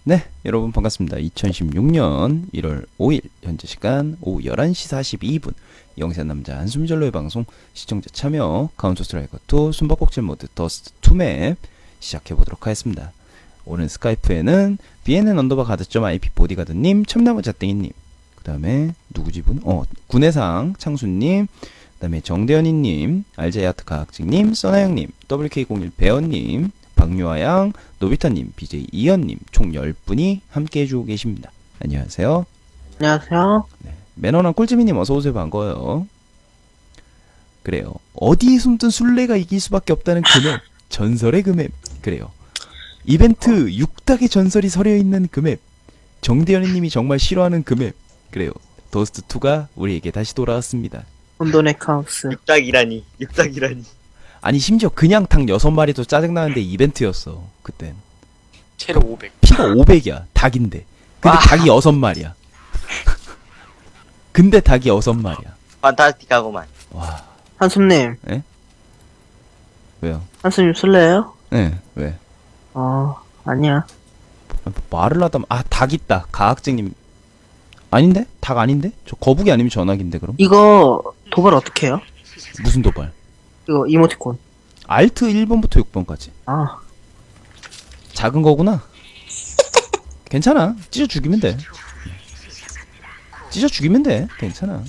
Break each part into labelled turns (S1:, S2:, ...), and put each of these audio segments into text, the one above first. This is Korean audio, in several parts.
S1: 네, 여러분 반갑습니다. 2016년 1월 5일 현재 시간 오후 11시 42분 영세 남자 한숨 절로의 방송 시청자 참여 카운터 스트라이커 2 숨바꼭질 모드 더스트 2맵 시작해보도록 하겠습니다. 오늘 스카이프에는 bnn_가드.ip 보디가드님, 참나무 자땡이님, 그 다음에 누구지 분? 군해상 창수님, 그 다음에 정대현이님, 알제야트 가학직님, 써나영님, WK01 배원님, 박유아양, 노비타님, BJ 이현님 총 10분이 함께 해주고 계십니다. 안녕하세요.
S2: 안녕하세요.
S1: 네, 매너남 꿀지미님 어서오세요. 반가워요. 그래요. 어디에 숨든 술래가 이길 수밖에 없다는 금액, 전설의 금액. 그래요. 이벤트 6닭의 전설이 서려있는 금액, 정대현님이 정말 싫어하는 금액. 그래요. 더스트2가 우리에게 다시 돌아왔습니다.
S2: 혼돈의 카오스.
S3: 육닭이라니.
S1: 아니 심지어 그냥 닭 6마리도 짜증나는데 이벤트였어 그땐.
S4: 체력 500.
S1: 피가 500이야 닭인데. 근데
S3: 와.
S1: 닭이 6마리야. 근데 닭이 6마리야.
S3: 판타스틱하고만.
S1: 와.
S2: 한숨님.
S1: 왜요?
S2: 한숨님 술래예요?
S1: 네. 왜?
S2: 아니야.
S1: 말을 하다 닭 있다. 가학쟁님. 아닌데? 닭 아닌데? 저 거북이 아니면 전화기인데 그럼?
S2: 이거 도발 어떻게 해요?
S1: 무슨 도발?
S2: 이거 이모티콘.
S1: 알트 1번부터 6번까지.
S2: 아,
S1: 작은 거구나. 괜찮아. 찢어 죽이면 돼. 찢어 죽이면 돼. 괜찮아.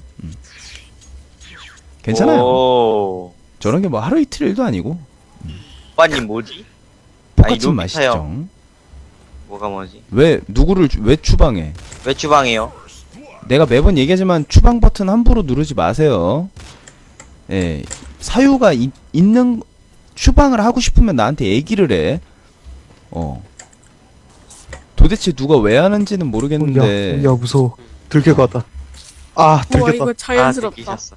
S1: 괜찮아요.
S3: 오.
S1: 저런 게 뭐 하루 이틀 일도 아니고.
S3: 오빠님 뭐지?
S1: 똑같은
S3: 노비타요.
S1: 맛이죠.
S3: 뭐가 뭐지?
S1: 왜 추방해?
S3: 왜 주방해요?
S1: 내가 매번 얘기하지만 추방 버튼 함부로 누르지 마세요. 예. 사유가 있는, 추방을 하고 싶으면 나한테 얘기를 해. 도대체 누가 왜 하는지는 모르겠는데.
S5: 야 무서워. 들켜가다. 아
S6: 우와
S5: 들켰다.
S6: 이거 자연스럽다.
S3: 느끼셨어.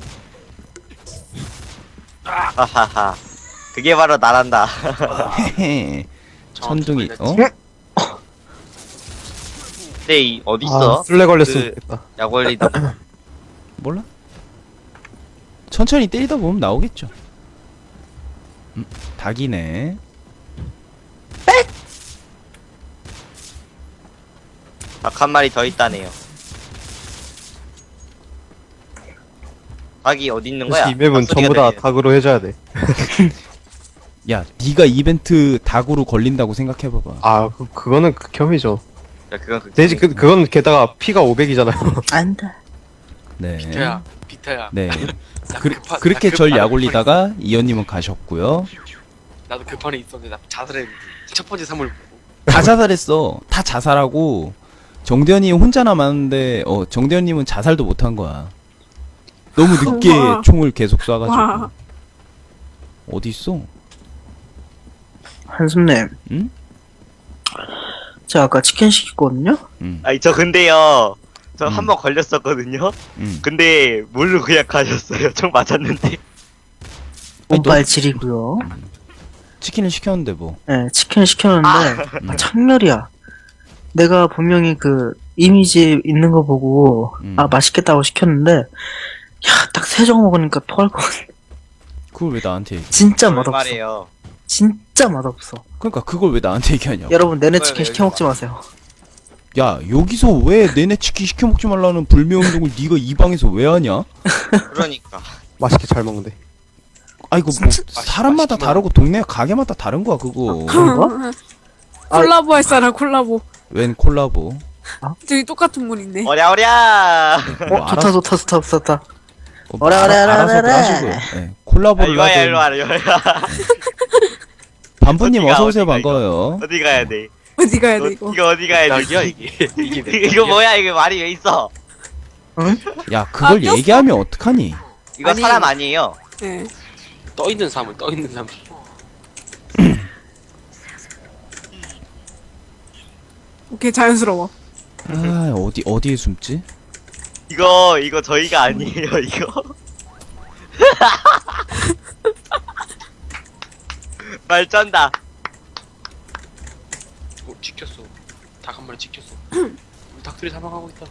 S3: 하하하. 그게 바로 나란다.
S1: 헤헤. 천둥이,
S3: 근데 이 어딨어?
S5: 술래 걸렸으면
S3: 그-
S5: 좋겠다.
S3: 약 올리다.
S1: 몰라? 천천히 때리다 보면 나오겠죠. 닭이네.
S3: 닭 한 마리 더 있다네요. 닭이 어디 있는 거야?
S5: 사실 이 맵은
S3: 닭
S5: 전부 다
S3: 소리가 들리네.
S5: 닭으로 해줘야 돼.
S1: 야, 네가 이벤트 닭으로 걸린다고 생각해봐봐.
S5: 아 그거는 극혐이죠.
S3: 야, 그건
S5: 대지 그건 게다가 피가 500이잖아요.
S2: 안 돼.
S1: 네.
S4: 비타야.
S1: 네.
S4: 나
S1: 그렇게
S4: 나
S1: 절
S4: 나도
S1: 약 올리다가 이현님은 가셨고요.
S4: 나도 급판에 있었는데 나 자살했는데 첫 번째 사물 보고.
S1: 다 자살했어. 다 자살하고 정대현이 혼자 남았는데 정대현님은 자살도 못한 거야. 너무 늦게
S6: 와.
S1: 총을 계속 쏴가지고.
S6: 와.
S1: 어디 있어?
S2: 한숨님.
S1: 응?
S2: 제가 아까 치킨 시켰거든요?
S1: 응.
S3: 아니 저 근데요. 저
S1: 음.
S3: 한 번 걸렸었거든요.
S1: 응.
S3: 근데 모르고 그냥 가셨어요. 총 맞았는데.
S1: 아니,
S2: 운빨 질이고요.
S1: 치킨을 시켰는데 뭐.
S2: 네, 치킨 시켰는데 창렬이야. 내가 분명히 그 이미지 있는 거 보고 맛있겠다고 시켰는데 야, 딱 세 정 먹으니까 토할 것 같아.
S1: 그걸 왜 나한테 얘기?
S2: 진짜 맛없어.
S3: 말이에요.
S2: 진짜 맛없어.
S1: 그러니까 그걸 왜 나한테 얘기하냐고.
S2: 여러분 내내
S3: 그걸
S2: 치킨
S3: 왜
S2: 시켜 먹지 마세요.
S1: 야, 여기서 왜 내내 치킨 시켜 먹지 말라는 불매운동을 네가 이 방에서 왜 하냐?
S3: 그러니까.
S5: 맛있게 잘 먹는데.
S1: 아이고 뭐 사람마다 다르고 동네 가게마다 다른 거야 그거.
S2: 그런가?
S6: 콜라보 할 사람 콜라보.
S1: 웬 콜라보?
S6: 저기 똑같은 분 있네.
S3: 어랴어랴.
S1: 뭐
S2: 좋다 좋다 좋다 좋다.
S1: 뭐
S2: 어라, 어라, 어라,
S1: 알아서
S2: 어라.
S1: 하시고요. 네, 콜라보를
S3: 일로와야
S1: 하든.
S3: 일로와라 일로와라.
S1: 반부님
S3: 어디가,
S1: 어서 오세요.
S3: 어디가, 이거?
S1: 반가워요.
S3: 어디 가야 돼?
S6: 어디 가야 돼 이거?
S3: 이거 어디 가야 돼?
S4: 약이야 이게. 이게 내
S3: 이거 뭐야? 이거 말이 왜 있어?
S1: 야, 그걸
S6: 꼈어?
S1: 얘기하면 어떡하니?
S3: 이거
S6: 아니.
S3: 사람 아니에요.
S6: 네.
S4: 떠 있는 사물.
S6: 오케이 자연스러워.
S1: 아, 어디에 숨지?
S3: 이거 저희가 아니에요. 이거. 말 쩐다.
S4: 찍혔어. 닭 한 마리 찍혔어. 우리 닭들이 사망하고 있다.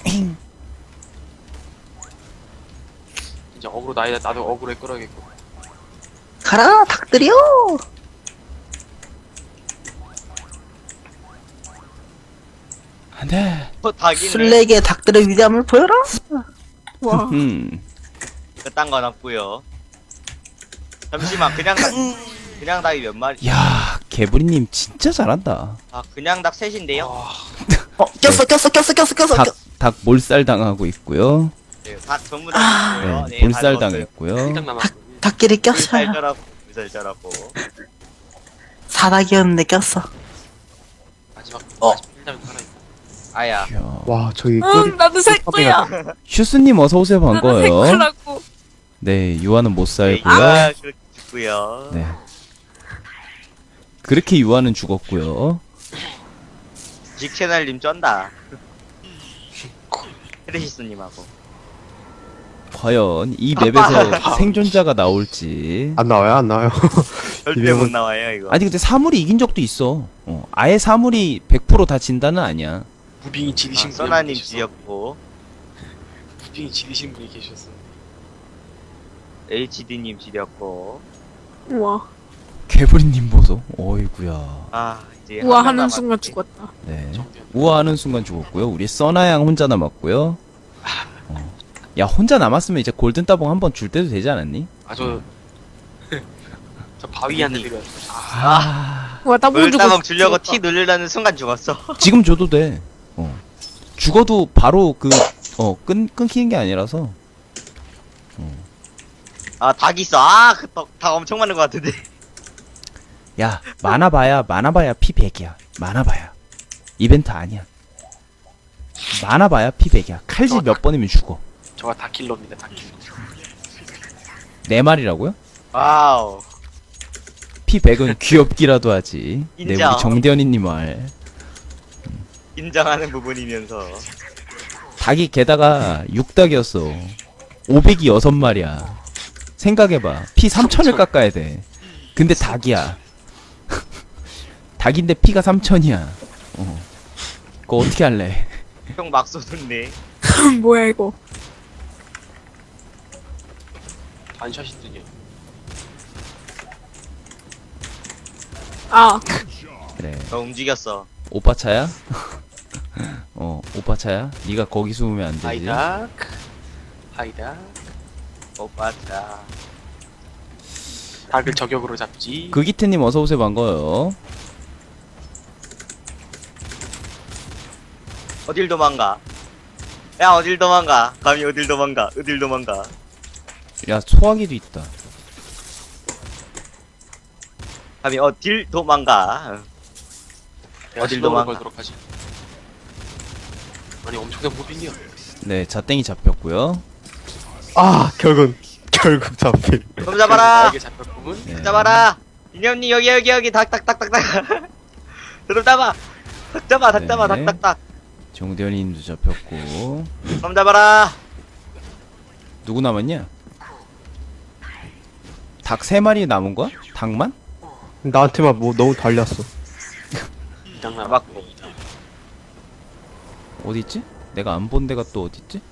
S4: 이제 어그로 나도 어그로에 끌어야겠고.
S2: 가라 닭들이요.
S1: 안돼.
S3: 닭이네.
S2: 술래계 닭들의 위대함을 보여라.
S6: 와.
S3: 그딴 건 없고요. 잠시만 그냥 닭이 몇 마리?
S1: 야 개구리님 진짜 잘한다.
S3: 아 그냥 닭 셋인데요?
S2: 꼈어.
S1: 닭 몰살 당하고 있고요.
S3: 네, 닭 전부 다
S1: 네,
S3: 있고요. 네,
S1: 몰살
S3: 다
S1: 당했고요.
S4: 일당 남았고.
S2: 닭끼리 꼈어.
S3: 물살절하고
S2: 사닭이었는데 꼈어.
S4: 마지막
S2: 어.
S4: 일당 살아있고.
S3: 아야.
S1: 이야.
S5: 와 저기
S6: 응, 나도 살 거야.
S1: 슈스님 어서 오세요
S6: 나도 살
S1: 반가워요.
S6: 거라고.
S1: 네 유아는 못 살고요.
S3: 아 그렇게 죽고요.
S1: 네. 그렇게 유아는 죽었고요.
S3: 직채널님 쩐다. 크리시스님하고.
S1: 과연 이 맵에서 생존자가 나올지.
S5: 안 나와요.
S3: 절대
S5: 이병헌-
S3: 못 나와요 이거.
S1: 아니 근데 사물이 이긴 적도 있어. 아예 사물이 100% 다 진다는 아니야.
S4: 무빙이 지리신 분이
S3: 써나님
S4: 계셔서.
S3: 지었고
S4: 무빙이 지리신 분이 계셨어.
S3: HD님 지렸고.
S6: 우와.
S1: 개구리님 보소. 어이구야.
S3: 아 이제
S6: 우와
S3: 한명
S6: 하는
S3: 남았네.
S6: 순간 죽었다.
S1: 네.
S4: 정변.
S1: 우아하는 순간 죽었고요. 우리 써나양 혼자 남았고요. 야 혼자 남았으면 이제 골든 따봉 한번 줄 때도 되지 않았니?
S4: 저 바위한테 드려.
S6: 우와 따봉 주고
S3: 물다방 주려고
S6: 죽었다.
S3: T 누르려는 순간 죽었어.
S1: 지금 줘도 돼. 죽어도 바로 끊기는 게 아니라서.
S3: 아 닭 있어. 아그닭 엄청 많은 것 같은데.
S1: 야 많아봐야 피 100이야. 많아봐야 이벤트 아니야. 많아봐야 피 100이야. 칼질 몇 번이면 죽어.
S4: 저가 다킬러입니다. 다킬러.
S1: 4마리라고요?
S3: 와우.
S1: 피 100은 귀엽기라도 하지. 네
S3: 인정.
S1: 우리 정대현이님 말.
S3: 인정하는 부분이면서.
S1: 닭이 게다가 6닭이었어. 500이 6마리야. 생각해봐. 피 3000을 깎아야 돼. 근데 닭이야. 닭인데 피가 3000이야. 그거 어떻게 할래?
S3: 형 막 쏘던데.
S6: 뭐야 이거.
S4: 반샷이더니.
S6: 아
S1: 그래.
S3: 너 움직였어.
S1: 오빠 차야? 오빠 차야? 네가 거기 숨으면 안 되지.
S4: 하이닥. 하이닥.
S3: 오빠 자.
S4: 닭을 저격으로 잡지.
S1: 그기태님 어서 오세요 반가워요.
S3: 어딜 도망가? 야 어딜 도망가? 감히 어딜 도망가? 어딜 도망가?
S1: 야 소화기도 있다.
S3: 감히 어딜 도망가?
S4: 내가
S3: 어딜
S4: 실력을
S3: 도망가?
S4: 걸도록 하지. 아니 엄청난 무빙이야.
S1: 네 자땡이 잡혔고요.
S5: 결국 잡힐.
S3: 좀 잡아라.
S4: 나에게 잡혔구문.
S1: 네.
S3: 잡아라. 이념니 여기 닭 드럼 잡아. 닭 잡아
S1: 네.
S3: 닭.
S1: 정대현님도 잡혔고.
S3: 좀 잡아라.
S1: 누구 남았냐? 닭 3마리 남은 거야? 닭만?
S5: 나한테만 뭐 너무 달렸어.
S4: 이당
S3: 잡았고.
S4: 남았고. 이당.
S1: 어디 있지? 내가 안 본 데가 또 어디 있지?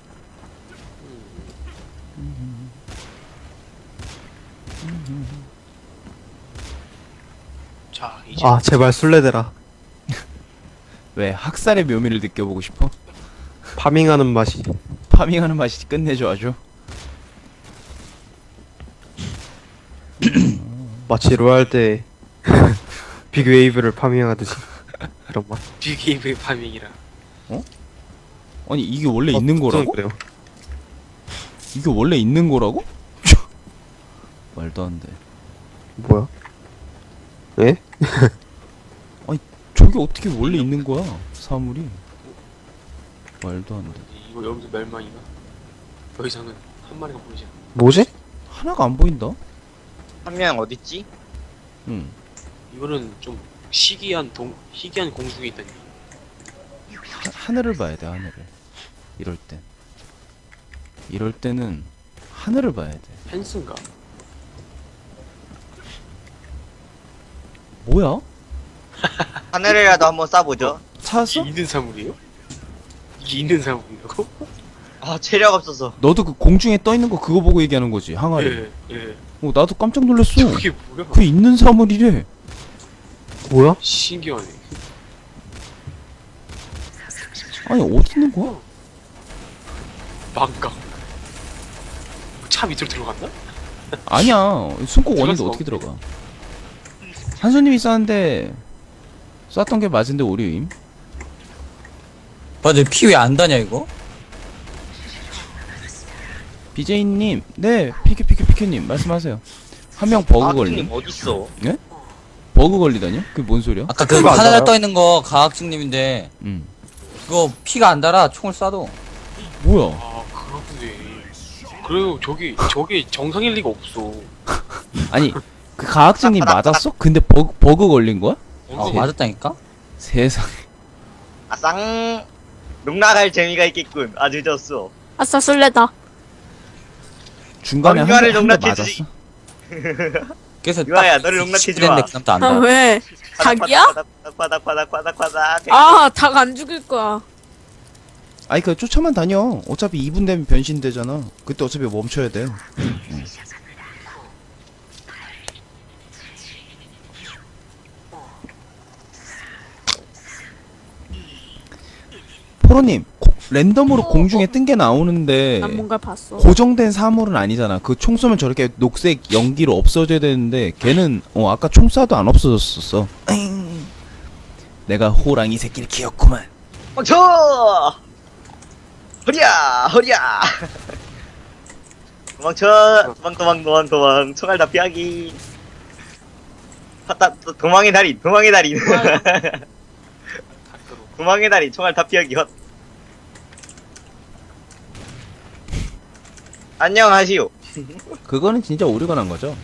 S4: 자 이제
S5: 제발 술래대라.
S1: 왜 학살의 묘미를 느껴보고 싶어?
S5: 파밍하는 맛이.
S1: 파밍하는 맛이 끝내줘 아주.
S5: 마치 로얄 때 빅웨이브를 파밍하듯이 그런 맛.
S4: 빅게임의 파밍이라.
S1: 아니 이게 원래 있는 거라고?
S5: 그래요.
S1: 이게 원래 있는 거라고? 말도 안 돼.
S5: 뭐야? 예?
S1: 저게 어떻게 원래 있는 거야? 사물이. 말도 안 돼.
S4: 이거 여기서 멸망이가. 더 이상은 한 마리가 보이지 않아.
S5: 뭐지?
S1: 하나가 안 보인다.
S3: 한 명 어딨지?
S1: 응.
S4: 이거는 좀 희귀한 공중에 있다니.
S1: 하늘을 봐야 돼 하늘을. 이럴 때는 하늘을 봐야 돼.
S4: 펜스인가?
S1: 뭐야?
S3: 하늘이라도 한번 쏴보죠.
S1: 찾았어?
S4: 이게 있는 사물이에요? 이게 있는 사물이라고?
S3: 아 체력 없어서.
S1: 너도 그 공중에 떠 있는 거 그거 보고 얘기하는 거지 항아리.
S4: 예, 예.
S1: 나도 깜짝 놀랐어.
S4: 저게 뭐야?
S1: 그 있는 사물이래.
S5: 뭐야?
S4: 신기하네.
S1: 아니 어디 있는 거야?
S4: 망강. 차 밑으로 들어갔나?
S1: 아니야. 숨고 원인데
S4: 들어갔어.
S1: 어떻게 들어가? 한수님이 쐈는데 쐈던 게 맞은데 오류임.
S7: 맞아, 피 왜 안 다냐, 이거?
S1: BJ님, 네, 피큐님 말씀하세요. 한 명 버그 걸림.
S3: 어딨어?
S1: 버그 걸리다뇨? 그게 뭔 소리야?
S7: 아까 그
S5: 피가 안
S7: 하늘에
S5: 달아요?
S7: 떠 있는 거 가학증님인데, 그거 피가 안 달아, 총을 쏴도.
S1: 뭐야?
S4: 아, 그렇군요. 그래요, 저게 정상일 리가 없어.
S1: 아니, 그 가학증님 맞았어? 근데 버그 걸린 거야?
S7: 맞았다니까?
S1: 세상.
S3: 아쌍. 농락할 재미가 있겠군. 아, 늦었어.
S6: 아싸, 술래다.
S1: 중간에
S3: 유아를
S1: 한 대
S3: 농락해주지.
S1: 맞았어?
S7: 그래서
S3: 유아야, 너를 농락해주마.
S7: 됐는데 그 다음부터 안
S6: 아,
S7: 달아.
S6: 왜? 닭이야?
S3: 바닥.
S6: 아, 닭 안 죽일 거야.
S1: 아니, 그 쫓아만 다녀. 어차피 2분 되면 변신되잖아. 그때 어차피 멈춰야 돼. 포로님, 랜덤으로 공중에 뜬 게 나오는데
S6: 난 뭔가 봤어.
S1: 고정된 사물은 아니잖아. 그 총 쏘면 저렇게 녹색 연기로 없어져야 되는데 걔는 아까 총 쏴도 안 없어졌었어. 에잉. 내가 호랑이 새끼를 키웠구만.
S3: 멈춰! 허리야! 도망쳐! 도망. 총알 다 피하기. 도망의 달인. 도망의 달인. 총알 다 피하기. 헛. 안녕하시오.
S1: 그거는 진짜 오류가 난 거죠.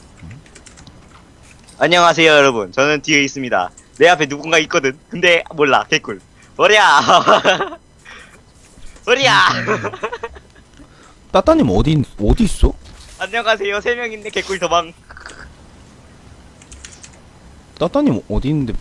S3: 안녕하세요, 여러분. 저는 뒤에 있습니다. 내 앞에 누군가 있거든. 근데 몰라. 개꿀. 허리야!
S1: 따따님 어디 있어?
S3: 안녕하세요. 3명인데 개꿀 도망.
S1: 따따님 어디 있는데?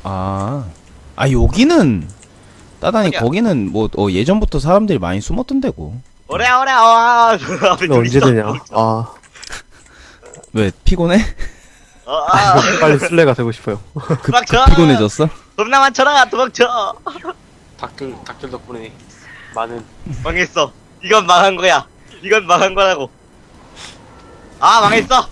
S1: 여기는 따따님
S3: 어디야?
S1: 거기는 뭐 예전부터 사람들이 많이 숨었던 데고.
S3: 오랴. 앞에
S5: 근데 언제
S3: 있어.
S5: 되냐? 아,
S1: 왜 피곤해?
S5: 빨리 술래가 되고 싶어요.
S3: 도망쳐.
S1: 피곤해졌어?
S3: 겁나 많잖아. 도망쳐.
S4: 닭들 덕분에 많은
S3: 망했어. 이건 망한 거야. 이건 망한 거라고. 아, 망했어.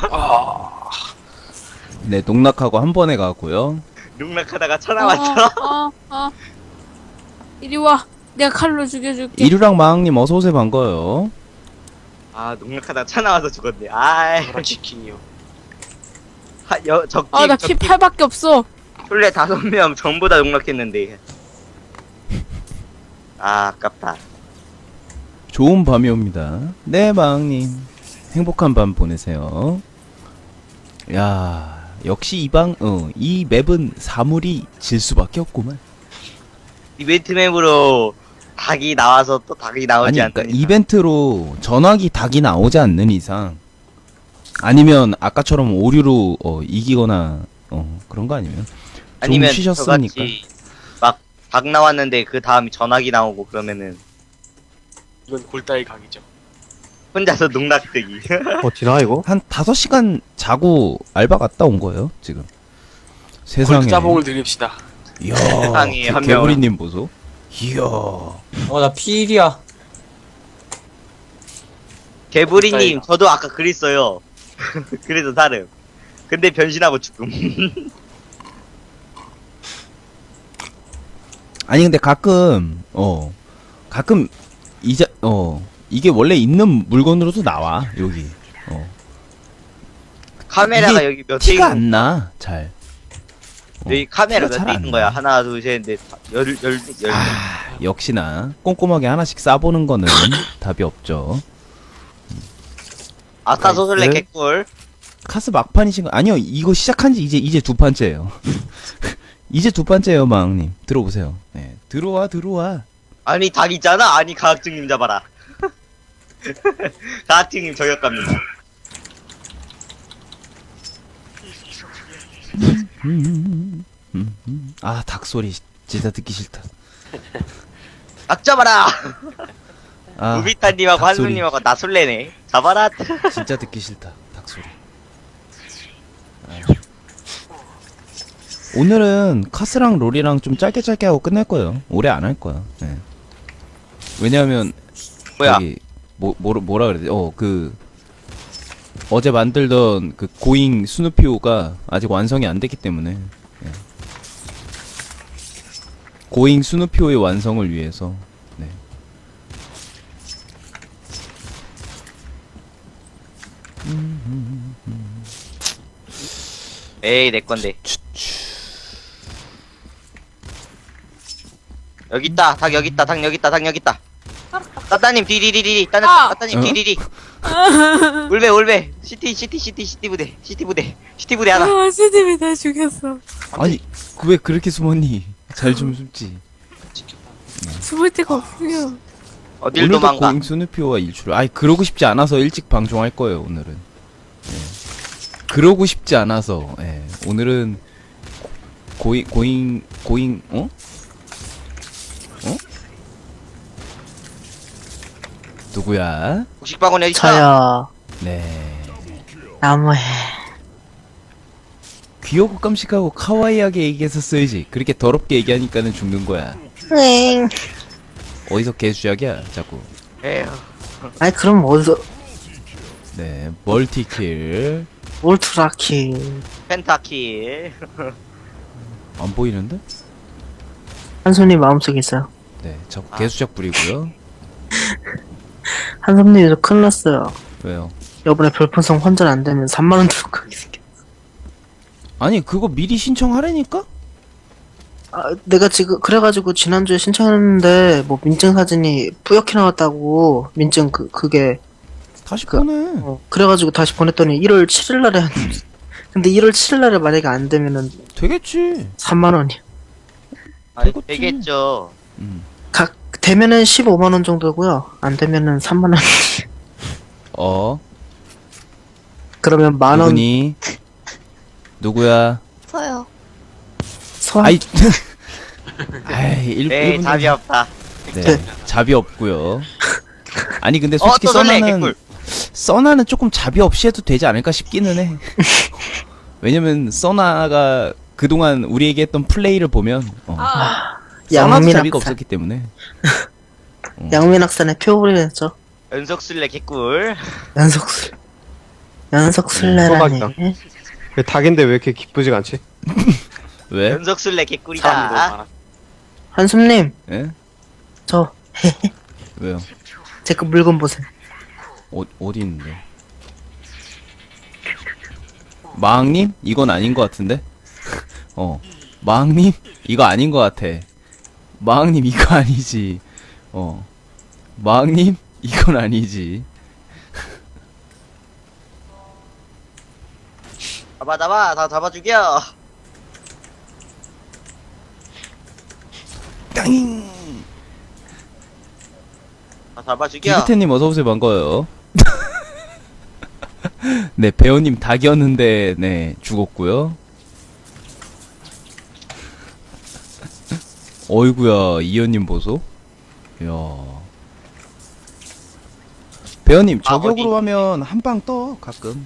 S1: 네, 농락하고 한 번에 가고요.
S3: 농락하다가 쳐 나왔어.
S6: 이리 와. 내가 칼로 죽여줄게.
S1: 이류랑 마왕님 어서 오세요. 반가워요.
S3: 아, 농락하다가 쳐 나와서 죽었네. 아이.
S4: 그런 치킨이요.
S3: 적기.
S6: 아, 나 피 8밖에 없어.
S3: 술래 5명 전부 다 농락했는데. 아, 아깝다.
S1: 좋은 밤이 옵니다. 네, 마왕님. 행복한 밤 보내세요. 야, 역시 이 맵은 사물이 질 수밖에 없구만.
S3: 이벤트 맵으로 닭이 나와서 또 닭이 나오지
S1: 아니, 그러니까
S3: 않다.
S1: 이벤트로 전화기 닭이 나오지 않는 이상, 아니면 아까처럼 오류로 이기거나 그런 거 아니면
S3: 아니면
S1: 쉬셨으니까.
S3: 저같이 막 닭 나왔는데 그 다음에 전화기 나오고 그러면은
S4: 이건 골다의 각이죠.
S3: 혼자서 농락되기.
S5: 어디나 이거?
S1: 한 5시간 자고 알바 갔다 온 거예요, 지금. 세상에.
S4: 골짜봉을 드립시다.
S1: 이야,
S3: 세상에, 한
S1: 개구리님 보소. 이야.
S7: 나 피일이야.
S3: 개구리님, 저도 아까 그랬어요. 그래서 다름. 근데 변신하고 죽음.
S1: 아니 근데 가끔 이게 원래 있는 물건으로도 나와 여기.
S3: 카메라가
S1: 이게
S3: 여기 몇 대
S1: 티가
S3: 있는
S1: 안 나. 잘.
S3: 여기 카메라
S1: 티가
S3: 몇
S1: 잘
S3: 대
S1: 안
S3: 있는
S1: 나.
S3: 거야? 하나, 둘, 셋, 넷, 열.
S1: 역시나 꼼꼼하게 하나씩 싸보는 거는 답이 없죠.
S3: 아싸 소설래
S5: 나이스.
S3: 개꿀.
S1: 카스 막판이신 거 아니요. 이거 시작한 지 이제 2판째예요. 이제 2판째예요, 마왕님. 들어오세요. 네, 들어와.
S3: 아니, 닭 있잖아. 아니, 가학증님 잡아라. 가학증님 저격갑니다.
S1: 아, 닭 소리 진짜 듣기 싫다.
S3: 닭 잡아라.
S1: 아,
S3: 우비타님하고
S1: 닭 소리
S3: 한수님하고 나 술래네. 잡아라.
S1: 진짜 듣기 싫다. 닭 소리. 오늘은 카스랑 롤이랑 좀 짧게 하고 끝낼 거예요. 오래 안 할 거야. 예. 왜냐하면
S3: 뭐야?
S1: 저기 뭐라 그래야 돼? 어제 만들던 그 고잉 스누피오가 아직 완성이 안 됐기 때문에 예. 고잉 스누피오의 완성을 위해서 네.
S3: 에이 내 건데. 여기 있다. 닭 여기 있다. 닭 여기 있다. 닭 여기 있다. 따따님 디디디디디. 따따님
S1: 어?
S3: 디디디. 올베. 시티 부대 하나.
S6: 아, 스님이 나 죽였어.
S1: 아니 왜 그렇게 숨었니? 잘 좀 숨지.
S6: 숨을 데가 없으면.
S3: 어딜
S1: 오늘도
S3: 도망가.
S1: 고잉 스누피오와 일출. 아이 그러고 싶지 않아서 일찍 방송할 거예요 오늘은. 예. 그러고 싶지 않아서. 예. 오늘은 고잉 어? 누구야?
S3: 곡식방울 여기 있다.
S2: 저요.
S1: 네.
S2: 나무해.
S1: 귀엽고 깜찍하고 카와이하게 얘기했었어야지. 그렇게 더럽게 얘기하니까는 죽는 거야.
S2: 응.
S1: 어디서 개수작이야 자꾸.
S3: 에휴.
S2: 아니 그럼 어디서
S1: 네. 멀티킬.
S2: 울트라킬.
S3: 펜타킬.
S1: 안 보이는데?
S2: 한손님 마음속에 있어요.
S1: 네. 자꾸 개수작 부리고요.
S2: 한손님 저 큰일 났어요.
S1: 왜요?
S2: 이번에 별풍선 환전 안 되면 3만원 들고 가게 생겼어.
S1: 아니 그거 미리 신청하라니까?
S2: 아, 내가 지금 그래가지고 지난주에 신청했는데 뭐 민증 사진이 뿌옇게 나왔다고 민증 그게
S1: 다시 보내.
S2: 그래가지고 다시 보냈더니 1월 7일날에 근데 1월 7일날에 만약에 안 되면은
S1: 되겠지.
S2: 3만원이야.
S3: 아니,
S1: 되겠지.
S3: 되겠죠.
S2: 각 되면은 15만원 정도고요. 안 되면은 3만원. 그러면 만원
S1: 누구니? 누구야?
S6: 서요.
S2: 소환.
S1: 아이. 아이
S3: 에이 답이 없다.
S1: 네. 잡이 없고요. 아니 근데 솔직히
S3: 또 설레,
S1: 써나는
S3: 개꿀.
S1: 써나는 조금 잡이 없이 해도 되지 않을까 싶기는 해. 왜냐면 써나가 그동안 우리에게 했던 플레이를 보면 써나도
S2: 양민
S1: 자비가
S2: 학살.
S1: 없었기 때문에
S2: 양민 학산의 표본이 됐죠.
S3: 연속술래 개꿀.
S2: 연속 술래라니.
S5: 소박이다. 왜 닭인데 왜 이렇게 기쁘지가 않지?
S1: 왜?
S3: 연속술래
S4: 사람이 너무
S3: 개꿀이다.
S4: 많아.
S2: 한숨님,
S1: 예?
S2: 저
S1: 왜요?
S2: 제 그 물건 보세요.
S1: 어디 있는데? 마왕님? 이건 아닌 것 같은데? 마왕님? 이거 아닌 것 같아. 마왕님 이거 아니지. 마왕님? 이건 아니지.
S3: 잡아 다 잡아 죽여.
S1: 땅잉!
S3: 다 잡아 죽여.
S1: 기브테님 어서오세요, 반가워요. 네, 배우님 닭이었는데, 네, 죽었고요. 어이구야, 이현님 보소. 이야. 배우님, 저격으로 하면 한 방 떠, 가끔.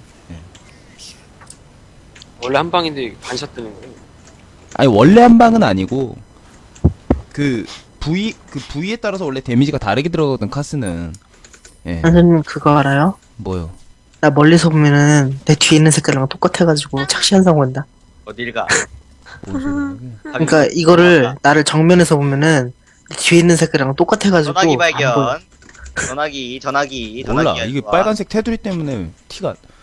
S4: 원래 한 방인데 반샷 뜨는 거예요.
S1: 아니, 원래 한 방은 아니고, 그 부위에 따라서 원래 데미지가 다르게 들어가거든, 카스는. 예,
S2: 한숨님 그거 알아요?
S1: 뭐요?
S2: 나 멀리서 보면은 내 뒤에 있는 색깔이랑 똑같아가지고 착시 현상 온다.
S3: 어딜 가?
S1: 뭔 소리야, 그게?
S2: 그러니까 이거를 나를 정면에서 보면은 내 뒤에 있는 색깔이랑 똑같아가지고
S3: 전화기
S2: 안 보여.
S3: 발견. 전화기.
S1: 몰라, 이게 빨간색 테두리 때문에 티가